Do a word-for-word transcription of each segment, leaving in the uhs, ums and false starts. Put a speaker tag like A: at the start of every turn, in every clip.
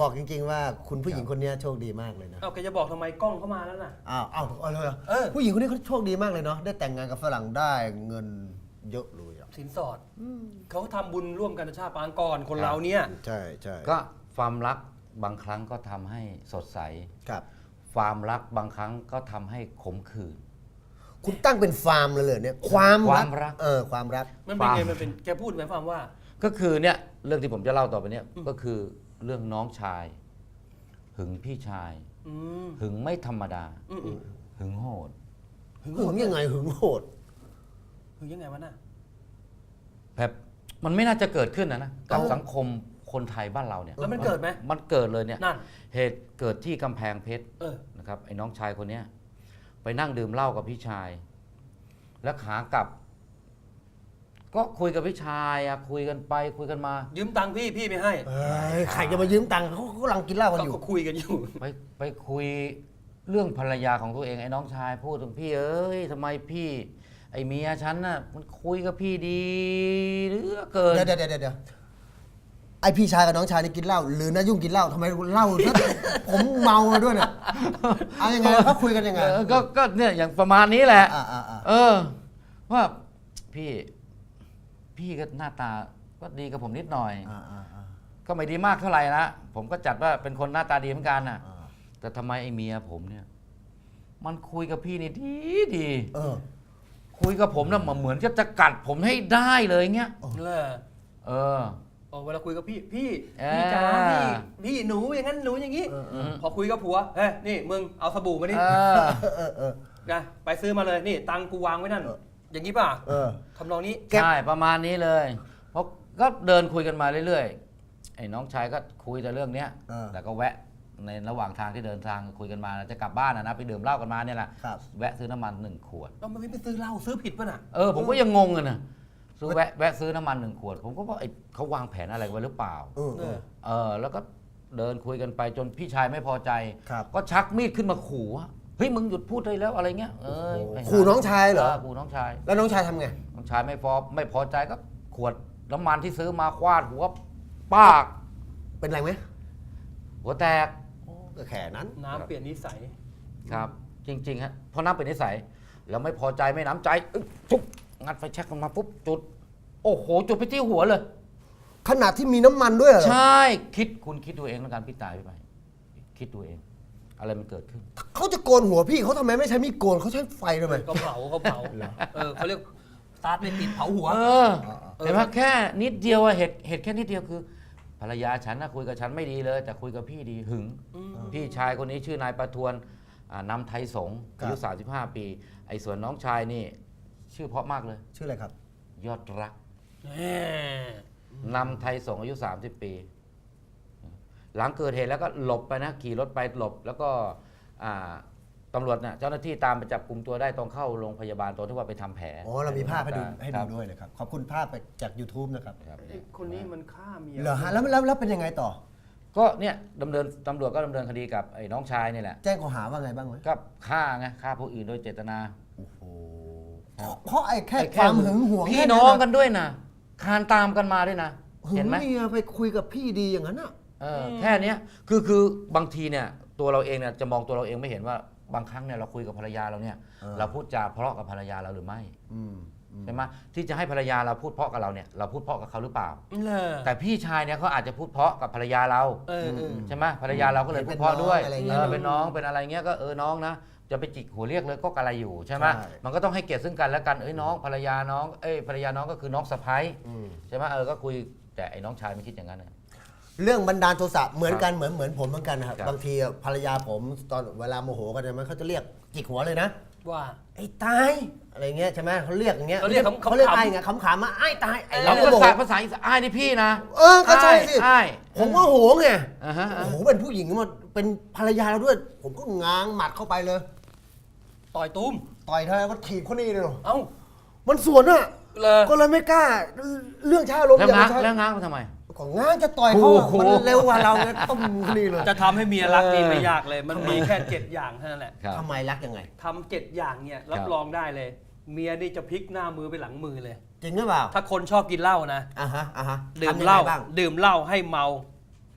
A: บอกจริงๆว่าคุณผู้หญิงคนนี้โชคดีมากเลยนะ
B: เอาแกจะบอกทำไมกล้องเข้ามาแล้วน่ะ
A: อ้าวอ้าวเอาเลยเหรอ
B: เออ
A: ผู้หญิงคนนี้เขาโชคดีมากเลยเนาะได้แต่งงานกับฝรั่งได้เงินเยอะเลยอ่ะ
B: สินสอดเขาทำบุญร่วมกันชาติปางก่อนคนเราเนี่ย
A: ใช่ใช่
C: ก็ความรักบางครั้งก็ทำให้สดใส
A: ครับ
C: ความรักบางครั้งก็ทำให้ขมขื่น
A: คุณตั้งเป็นฟาร์มเลยเหรอเนี่ยความ
C: ความรัก
A: เออความรัก
B: มันเป็นไง
C: ฟาร์ม
B: มันเป็นแกพูดหมายความว่า
C: ก็คือเนี่ยเรื่องที่ผมจะเล่าต่อไปเนี่ยก็คือเรื่องน้องชาย หึงพี่ชาย
B: อืม
C: หึงไม่ธรรมดา
B: อืมอืม
C: หึงโหด
B: หึง
A: หึงยังไงหึงโหด
B: หึงยังไงวะน่ะ
C: แบบมันไม่น่าจะเกิดขึ้นนะนะกับ
A: เอ้า
C: สังคมคนไทยบ้านเราเนี่ย
B: แล้วมันเกิดไหม
C: มันเกิดเลยเนี่ย
B: นั่น
C: เหตุเกิดที่กำแพงเพชร
B: เออ
C: นะครับไอ้น้องชายคนเนี้ยไปนั่งดื่มเหล้ากับพี่ชาย แล้วขากลับ ก็คุยกับพี่ชายอะคุยกันไปคุยกันมา
B: ยืมตังค์พี่พี่ไม่ให้
A: เอ้ยใครจะมายืมตังค์เขาเขากำลังกินเหล้ากันอยู่
B: ก็คุยกันอยู่
C: ไปไปคุยเรื่องภรรยาของตัวเองไอ้น้องชายพูดถึงพี่เอ้ยทำไมพี่ ไอ้เมียฉันน่ะมันคุยกับพี่ดีเหลือเกิน
A: เดี๋ยวเดี๋ยวเดี๋ยวเดี๋ยวไอพี่ชายกับน้องชายนี่กินเหล้าหรือน้ายุ่งกินเหล้าทำไมเหล้าซะ ผมเมามาด้วยเนี่ยเอายังไงเขาคุยกันยังไง
C: เออก็ก็เนี่ยอย่างประมาณนี้แหละ
A: อ่าอ่าอ่า
C: เออ ว่าพี่ พี่ก็หน้าตาก็ดีกับผมนิดหน่อย
A: อ่าอ่าอ่า
C: ก็ไม่ดีมากเท่าไหร่นะผมก็จัดว่าเป็นคนหน้าตาดีเหมือนกันน่ะ
A: อ่า
C: แต่ทำไมไอ้เมียผมเนี่ย มันคุยกับพี่นี่ดีดี
A: เออ
C: คุยกับผมน่ะเหมือนจะจะกัดผมให้ได้เลยเงี้ย
B: เลย
C: เออ
B: โอ้เวลาคุยกับพี่พี่
C: เออ
B: พี่จ๋าพี่พี่หนูอย่างนั้นหนูอย่างนี้
A: เออเออ
B: พอคุยกับผัวเฮ้ยนี่มึงเอาสบู่มาดิ
C: เออ
A: เออเออ
B: นะไปซื้อมาเลยนี่ตังค์กูวางไว้นั่น
A: เออ
B: อย่างนี้ป่ะ
A: เออ
B: ทำนองนี้
C: ใช่ประมาณนี้เลยเพราะก็เดินคุยกันมาเรื่อยๆไอ้น้องชายก็คุยแต่เรื่องเนี้ย
A: เออ
C: แต่ก็แวะในระหว่างทางที่เดินทางคุยกันมาจะกลับบ้านนะนะไปดื่มเหล้ากันมาเนี่ยแหละ
A: ครับ
C: แวะซื้อน้ำมันหนึ่งขวด
B: เราไม่ไปซื้อเหล้าซื้อผิดป่ะน่ะ
C: เออผมก็ยังงงอะนะซื้อแวะแวะซื้อน้ำมันหนึ่งขวด ผมก็ว่าไอ้เขาวางแผนอะไรไว้หรือเปล่า
A: เออเออ
C: เออแล้วก็เดินคุยกันไปจนพี่ชายไม่พอใจ
A: ครับ
C: ก็ชักมีดขึ้นมาขู่ว่าเฮ้ยมึงหยุดพูดได้แล้วอะไรเงี้ยเออไปหา
A: ขู่น้องชายเหรอ
C: ขู่น้องชาย
A: แล้วน้องชายทำไง
C: น้องชายไม่พอไม่พอใจก็ขวดน้ำมันที่ซื้อมาคว้าหัวปาก
A: เป็นไรไหม
C: หัวแตก
A: โอ้ก็แค่นั้น
B: น้ำเปลี่ยนนิสัย
C: ครับ จริงๆฮะเพราะน้ำเป็นนิสัยแล้วไม่พอใจไม่น้ำใจอึ๊บปุ๊บงัดไฟแช็กลงมาปุ๊บจุด โอ้โหจุดไปที่หัวเลย
A: ขนาดที่มีน้ำมันด้วยเหรอ
C: ใช่คิดคุณคิดดูเองแล้วกันพี่ตายไปคิดดูเอง อะไรมันเกิดขึ้น
A: เขาจะโกนหัวพี่เขาทำไมไม่ใช้มีดโกนเขาใช้ไฟทำไม
B: ก็เผาเขาเผาเออเขาเรียกสตาร์ทไม่ติดเผาหัว
C: เออเห็นไหมแค่นิดเดียวอะเหตุเหตุแค่นิดเดียวคือ ภรรยาฉันนะคุยกับฉันไม่ดีเลย แต่คุยกับพี่ดีหึง
B: อืม
C: พี่ชายคนนี้ชื่อนายประทวนอ่านำไทยสงฆ์อายุสามสิบห้าปี ไอ้ส่วนน้องชายนี่ ชื่อเพราะมากเลย
A: ชื่ออะไรครับ
C: ยอดรัก
B: แหม
C: นำไทยสงฆ์อายุสามสิบปี หลังเกิดเหตุแล้วก็หลบไปนะขี่รถไปหลบ แล้วก็อ่าตำรวจน่ะเจ้าหน้าที่ตามไปจับกลุ่มตัวได้ตรงเข้าโรงพยาบาลตอนที่ว่าไปทำแผล
A: อ๋อเรามีภาพให้ดูให้
C: ค
A: ดู
C: รับ
A: ด้วยนะครับ ขอบคุณภาพไปจาก YouTube นะครับ
C: ครับ
B: ไอ้คนนี้มันฆ่าเมีย
A: เหรอฮะแล้วแล้วแล้วเป็นยังไงต่อ
C: ก็เนี่ยดำเนินตำรวจก็ดำเนินคดีกับไอ้น้องชายนี่แหละ
A: แจ้งข้อหาว่าไงบ้างไหม
C: ก็ฆ่าไงฆ่าผู้อื่นโดยเจตนา
A: โอ้โหเพราะไอ้แค่
C: ไอ้
A: ความหึงหวง
C: พี่
A: แค่
C: น้องกันด้วยนะคานตามกันมาด้วยนะ
A: หึ
C: เห็
A: ง
C: นไหม
A: เมียไปคุยกับพี่ดีอย่างนั้นอ่ะ
C: เออแค่เนี้ยคือคือบางทีเนี่ยตัวเราเองเนี่ยจะมองตัวเราเองไม่เห็นว่าบางครั้งเนี่ยเราคุยกับภรรยาเราเนี่ย
A: เออ
C: เราพูดจาเพราะกับภรรยาเราหรือไม่
A: อืมอืม
C: ใช่ไหมที่จะให้ภรรยาเราพูดเพราะกับเราเนี่ยเราพูดเพราะกับเขาหรือเปล่า
B: เลย
C: แต่พี่ชายเนี่ยเขาอาจจะพูดเพราะกับภรรยาเรา
B: เออเออ
C: ใช่ไหมภรรยาเราก็เลยพูดเพราะด้วย
A: เป็นน้องอะไร
C: เอ
A: เงี้ย
C: อเป็นน้องเป็นอะไรเงี้ยก็เออน้องนะจะไปจิกหัวเรียกเลยก็กะไรอยู่ใช่ไหม
A: ใช่
C: มันก็ต้องให้เกียรติซึ่งกันและกันเอ้ยน้องภรรยาน้องเอ้ยภรรยาน้องก็คือน้องสะใภ้
A: อืม
C: ใช่ไหมเออก็คุยแต่ไอ้น้องชายไม่คิดอย่างนั้นนะ
A: เรื่องบันดาลโทสะเหมือนกันเหมือนเหมือนผมเหมือนกันนะครับ
C: ครับ
A: บางทีภรรยาผมตอนเวลาโมโหกันเนี่ยมันเขาจะเรียกจิกหัวเลยนะ
B: ว่า
A: ไอ้ตายอะไรเงี้ยใช่ไหมเขาเรียกอย่างเงี้ย
B: เขาเรียกขำๆ
A: เขาเรียกไอ้ไงขำๆมาไอ้ตายไอ้
C: เรา
A: เราก็
C: ภา
A: บอก
C: ษาภาษาอีสานอ้ายนี่พี่นะ
A: เออก็ใช่สิ
C: อ้าย
A: ผมก็โหไง
C: อ่าฮะ
A: โอ้โหเป็นผู้หญิงมาเป็นภรรยาเราด้วย ผมก็ง้างหมัดเข้าไปเลย
B: ต่อยตุ้ม
A: ต่อยเธอก็ถีบคนนี้เลย
B: เอ้า
A: มันสวนอ่ะ
B: เลย
A: ก็เลยไม่กล้า เรื่องชาลม
C: แล้ว
A: อย่าง
C: ง้าง
A: ใช่
C: แล้วง้างมาทำไม
A: ของง้างจะต่อยเขา
C: โอ้
A: อะ
C: โห
A: มันเร็วกว่าเราไงต้มคนนี้เลย
B: จะทำให้เมียรักนี่ไม่ยากเลย มันมีแค่เจ็ดอย่างเท่านั้นแหละ
C: ครับ
A: ทำไมรักยังไง
B: ทำเจ็ดอย่างเนี่ยรับ
C: ครับ
B: รองได้เลย เมียนี่จะพลิกหน้ามือไปหลังมือเลย
A: จริงหรือเปล่า
B: ถ้าคนชอบกินเหล้านะ
A: อ่ะฮะอ่ะฮะ
B: ดื่ม
A: ทำยัง
B: เหล้า
A: ไงบ้าง
B: ดื่มเหล้าให้เมา พอ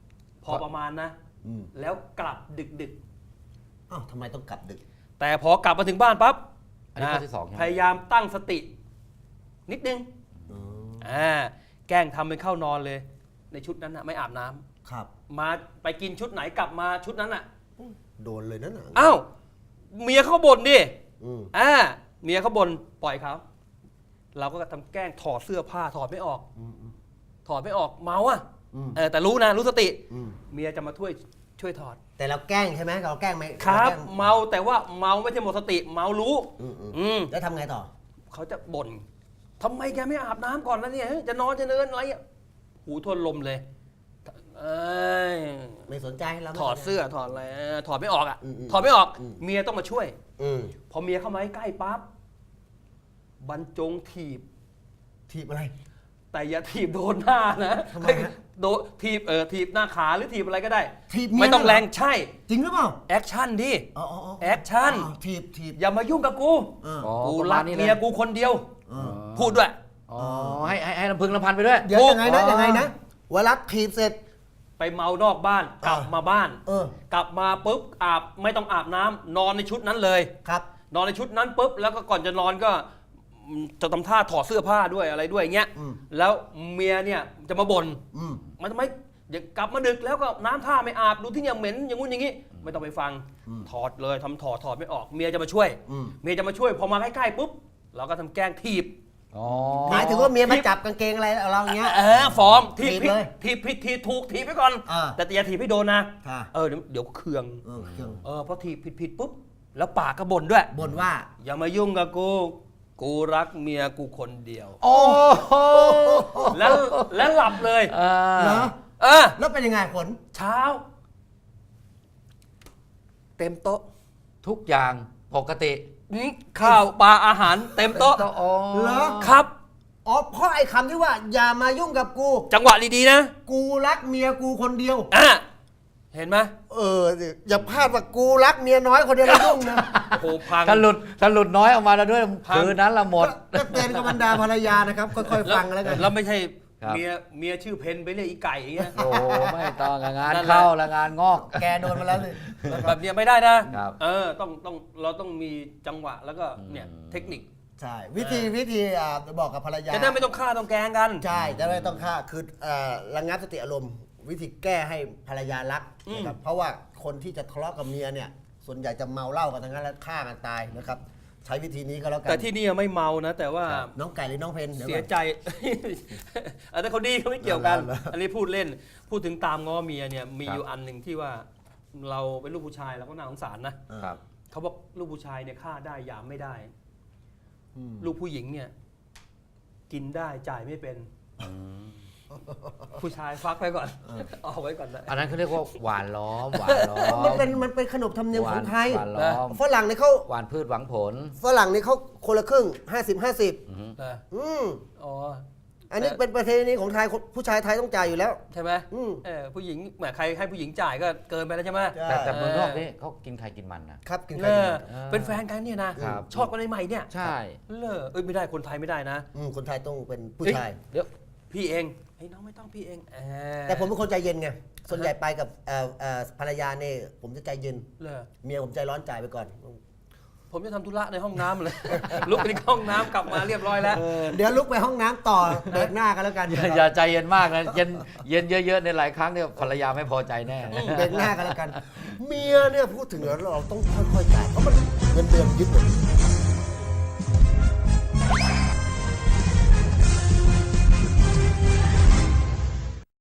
B: พอประมาณนะ
A: อืม
B: แล้วกลับดึกดึก
A: อ้าวทำไมต้องกลับดึก
B: ๆแต่พอกลับมาถึงบ้านปั๊บ
C: อันนี้
B: นะ
C: ข้อที่สองใช่ไหม
B: พยายามตั้งสติ นิดนึง
A: อ๋อ
B: อ่าแกล้งทำเป็นเข้านอนเลย ในชุดนั้นนะไม่อาบน้ำ
A: ครับ
B: มาไปกินชุดไหนกลับมาชุดนั้นอ่ะ
A: โดนเลยนั่นน่ะ
B: อ้าวเมียเขาบ่นดิ
A: อืม
B: อ่าเมียเขาบ่นปล่อยเขาเราก็ทำแกล้งถอดเสื้อผ้าถอดไม่ออก
A: อืมอืม
B: ถอดไม่ออกเมาอ่ะ
A: อืม
B: เออแต่รู้นะรู้สติ
A: อืม
B: เมียจะมาช่วยช่วยถอด
A: แต่เราแกล้งใช่ไหมเราแกล้งไหม
B: ครับ
A: แกล้ง
B: เมาแต่ว่าเมาไม่ใช่หมดสติ เมารู้
A: อืมอืม
B: อืม
A: แล้วทำไงต่อ
B: เขาจะบ่นทำไมแกไม่อาบน้ำก่อนแล้วเนี่ยเฮ้ยจะนอนจะเนินอะไรอ่ะหูทวนลมเลยเอ้ย
A: ไม่สนใจเราไม่
B: ถอด
A: สนใจ
B: เสื้อถอดอะไรเออถอดไม่ออกอ่ะ
A: อืมอืม
B: ถอดไม่ออก
A: อืม
B: เมียต้องมาช่วย
A: อืม
B: พอเมียเข้ามาใกล้ปั๊บบรรจงถีบ
A: ทีบอะไร
B: แต่อย่าถีบโดนหน้านะ
A: ทำไมฮะ
B: โดนถีบเออถีบหน้าขาหรือถีบอะไรก็ได้
A: ถีบเมีย
B: ไม่ต้อง
A: เหรอ
B: แรงใช่
A: จริงหรือเปล่า
B: แอคชั่นดิ
A: อ๋ออ๋ออ๋อ
B: แอคชั่น
A: อ๋อทีบทีบ
B: อย่ามายุ่งกับกู
A: เออ
C: อ๋อ
B: กู
C: ประ
B: รั
C: มาก ณนี้เล
B: เมียกูคนเดียว
A: เออ
B: พูดด้วย
C: อ๋อให้ให้ให้ลำพึงลำพันไปด้วย
A: เดี๋ยว
B: ถูก
A: ยังไงนะ
C: อ๋อ
A: ยังไงนะเวลาทีบเสร็จ
B: ไปเมานอกบ้านกลับ
A: อ่าม
B: มาบ้าน
A: เออ
B: กลับมาปุ๊บอาบไม่ต้องอาบน้ำนอนในชุดนั้นเลย
A: ครับ
B: นอนในชุดนั้นปุ๊บแล้วก็ก่อนจะนอนก็อืมจะทำท่าถอดเสื้อผ้าด้วยอะไรด้วยอย่างเงี้ย
A: อืม
B: แล้วเมียเนี่ยจะมาบ่น
A: อืม
B: มันทำไมเดี๋ยวกลับมาดึกแล้วก็น้ำท่าไม่อาบดูที่ยังเหม็นอย่างงู้นอย่างงี้ ไม่ต้องไปฟัง
A: อืม
B: ถอดเลยทำถอดถอดไม่ออก เมียจะมาช่วย
A: อืม
B: เมียจะมาช่วยพอมาใกล้ๆปุ๊บเราก็ทำแกล้งถีบ
C: อ๋อ
A: หมายถึงว่าเมียมาจับกางเกงอะไรเราอย่างเงี้ย
B: เออฟอร์มถีบ
A: ถีบ
B: ผิด
A: เลย
B: ถีบผิดถีบถูกถีบไปก่อน
A: อ่า
B: แต่อย่าถีบให้โดนนะ
A: ค่ะ
B: เออเดี๋ยวเดี๋ยวเคือง
A: เออเครื่อง
B: เออพอถีบผิดผิดปุ๊บแล้วปากก็บ่นด้วย
A: บ่นว่า
B: อย่ามายุ่งกับกู กูรักเมียกูคนเดียว
C: โอ้โห
B: แล้วแล้วหลับเลย
C: อ่า
A: เหรอ
B: เออ
A: แล้วเป็นยังไงผล
B: เช้า เต็มโต๊ะ
C: ทุกอย่างปกติ
B: นี่ข้าวปลาอาหารเต็มโต๊ะ
C: อ๋อ
A: เหรอ
B: ครับ
A: อ๋อเพราะไอ้คำที่ว่า อย่ามายุ่งกับกู
B: จังหวะดีๆนะ
A: กูรักเมียกูคนเดียว
B: อ่ะเห็นไหม
A: เอออย่าพลาดว่ากูรักเมียน้อยคนเดียวแล้วยุ่งนะ
B: โอ้โหพัง
C: ถ้าหลุดถ้าหลุดน้อยออกมาแล้วด้วย
B: พัง
C: คืนนั้นละหมด
A: ก็เตือนกับบรรดาภรรยานะครับ ค่อยๆฟังแล้วกัน
B: แล้วไม่ใช่
C: ครับ
B: เมียเมียชื่อเพนไปเรียกอีไก่อย่างเงี้ย
C: โอ้ไม่ต้องอะงาน
B: นั่นแหละ
C: เข้าละงานงอก
A: แกโดนมาแล้วเลย
B: แบบเนี้ยไม่ได้นะครับ เออต้องต้องเราต้องมีจังหวะแล้วก็เนี่ย
C: อืม
B: เทคนิค
A: ใช่ วิธีวิธีอ่าบอกกับภรรยา
B: จะได้ไม่ต้องฆ่าต้องแกล้งกัน
A: ใช่จะไม่ต้องฆ่าคือเอ่อระงับสติอารมณ์ วิธีแก้ให้ภรรยารัก
B: อืม
A: นะครับเพราะว่าคนที่จะทะเลาะกับเมียเนี่ย ส่วนใหญ่จะเมาเหล้ากันทั้งนั้นแล้วฆ่ากันตายนะครับ ใช้วิธีนี้ก็แล้วกัน
B: แต่ที่นี่ไม่เมานะ แต่ว่า
A: น้องไก่หรือน้องเพนดี๋ว
B: เสีย
A: ก่อน
B: ใจ อันนั้นเขาดีเขาไม่เกี่ยวกัน
A: เหรอ
B: อันนี้พูดเล่น พูดถึงตามง้อเมียเนี่ยมี
C: ครับ
B: อยู่อันหนึ่งที่ว่า เราเป็นลูกผู้ชายเราก็น่าสงสารนะ
C: ครับ
B: เขาบอกลูกผู้ชายเนี่ยฆ่าได้หยามไม่ได้
A: อืม
B: ลูกผู้หญิงเนี่ย กินได้จ่ายไม่เป็น ผู้ชายฟักไว้ก่อนเอาไว้ก่อนนะ
C: อันนั้นเขาเรียกว่าหวานล้อมหวานล้อม
A: มันเป็นมันเป็นขนบธรรมเนียม
C: ห
A: ข
C: วา
A: อน งไทย
C: หวานล้อม
A: ฝรั่งเนี่ยเขา
C: หวานพืชหวังผล
A: ฝรั่งเนี่ยเขาคนละครึ่งห้าสิบห้าสิบ
C: อือฮึ
B: นะ
A: อืม
B: อ๋อ
A: อันนี้เป็นประเพณีของไทยผู้ชายไทยต้องจ่ายอยู่แล้ว
B: ใช่ไหม
A: อืม
B: เออผู้หญิงแหมใครให้ผู้หญิงจ่ายก็เกินไปแล้วใช่ไหม
A: ใช่
C: แต่แต่เมืองนอกนี่เขากินไข่กินมันนะครับ
A: กิน
B: เอ
A: ไข่กิน
B: อ
A: มัน
B: เป็นแฟนกันเนี่ยนะครับ ชอบกันในใหม่เนี่ย
C: ใช่
B: เลอเอ้ยไม่ได้คนไทยไม่ได้นะ
A: อืมคนไทยต้องเป็นผู้ชาย
C: เดี๋ยว
B: พี่เองเฮ้ยน้องไม่ต้องพี่เองเออ
A: แต่ผมเป็นคนใจเย็นไง ส่วนใหญ่ไปกับเอ่อเอ่อภรรยาเนี่ยผมจะใจเย็น
B: เลอ
A: เมียผมใจร้อนจ่ายไปก่อน
B: ผมจะทำธุระในห้องน้ำเลย ลุกไปที่ห้องน้ำกลับมาเรียบร้อยแล้ว
A: เดี๋ยวลุกไปห้องน้ำต่อเบรกหน้ากันแล้วกัน
C: อย่าอย่าใจเย็นมากนะเย็นเย็นเยอะๆในหลายครั้งเนี่ยภรรยาไม่พอใจแน่
A: เบรกหน้ากันแล้วกัน เมียเนี่ยพูดถึงแล้วเราต้องค่อยๆจ่ายเพราะมันเงินเดือนยึดหมด